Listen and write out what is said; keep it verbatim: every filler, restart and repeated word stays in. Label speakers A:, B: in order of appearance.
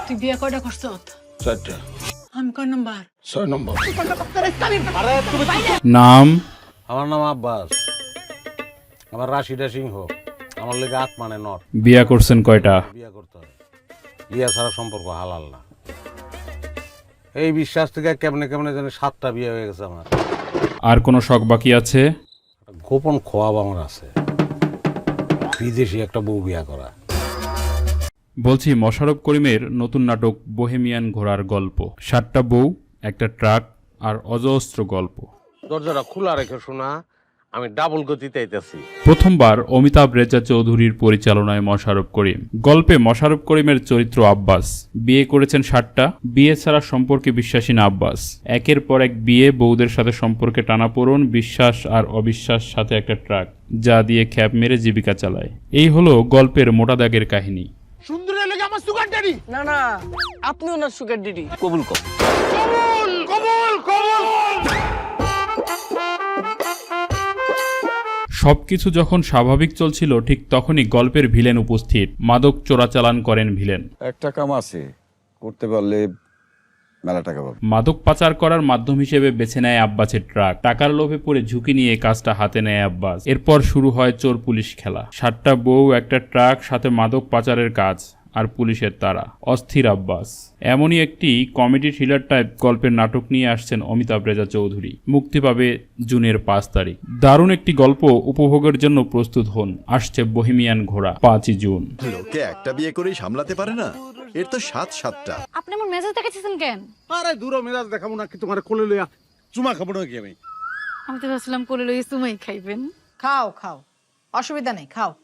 A: তুই বিয়ে কয়টা করছ?
B: চারটা।
A: আমি কয় নাম্বার?
B: ছয় নম্বর।
C: নাম
D: আমার নাম আব্বাস, আমার রাশিদা সিংহ, আমার লেগে আট মানে নট।
C: বিয়া করছেন কয়টা?
D: বিয়া করতে হয়, বিয়া ছাড়া সম্পর্ক হালাল না। এই বিশ্বাস থেকে কেমনে কেমনে জানি সাতটা বিয়ে হয়ে গেছে আমার।
C: আর কোনো শখ বাকি আছে?
D: গোপন খোয়াব আমার আছে, বিদেশি একটা বউ বিয়া করা।
C: বলছি, মোশাররফ করিমের নতুন নাটক বোহেমিয়ান ঘোড়ার গল্প, সাতটা বউ, একটা ট্রাক আর অজস্র গল্প।
D: দরজাটা খোলা রেখে শোনা, আমি ডাবল গতিতে আইতেছি।
C: প্রথমবার অমিতাভ রেজা চৌধুরীর পরিচালনায় মোশাররফ করিম। গল্পে মোশাররফ করিমের চরিত্র আব্বাস। বিয়ে করেছেন সাতটা। বিয়ে ছাড়া সম্পর্কে বিশ্বাসী না আব্বাস। একের পর এক বিয়ে, বউদের সাথে সম্পর্কে টানাপোড়েন, বিশ্বাস আর অবিশ্বাস, সাথে একটা ট্রাক যা দিয়ে খ্যাপ মেরে জীবিকা চালায়। এই হলো গল্পের মোটা দাগের কাহিনী।
B: সুন্দরের লেগে আমার সুগার ড্যাডি।
E: না না, আপনি ওনার সুগার ডিডি কবুল কর।
B: কবুল কবুল কবুল।
C: সবকিছু যখন স্বাভাবিক চলছিল, ঠিক তখনই গল্পের ভিলেন উপস্থিত। মাদক চোরাচালান করেন ভিলেন।
F: একটা কাম আছে, করতে পারলে মেলা টাকা পাবে।
C: মাদক পাচার করার মাধ্যম হিসেবে বেছে নেয় আব্বাসের ট্রাক। টাকার লোভে পড়ে ঝুঁকি নিয়ে কাজটা হাতে নেয় আব্বাস। এরপর শুরু হয় চোর পুলিশ খেলা। সাতটা বউ, একটা ট্রাক, সাথে মাদক পাচারের কাজ আর পুলিশের তাড়া। অস্থির আব্বাস। এমনই একটি কমেডি থ্রিলার টাইপ গল্পের নাটক নিয়ে আসছেন অমিতাভ রেজা চৌধুরী। মুক্তি পাবে জুনের পাঁচ তারিখ। দারুণ একটি গল্প উপভোগের জন্য প্রস্তুত হন। আসছে বোহেমিয়ান ঘোড়া, পাঁচই জুন।
G: লোকে একটা বিয়ে করেই সামলাতে পারে না, এর তো সাত সাতটা।
H: আপনি আমার মেজাজ দেখাচ্ছেন কেন?
B: আরে দূর মেজাজ দেখাবো না কি, তোমার কোলে লইয়া চুমা খাবো নাকি আমি?
H: আমি তো ভাবছিলাম কোলে লইয়ে সুমাই খাইবেন।
A: খাও খাও, অসুবিধা নেই, খাও।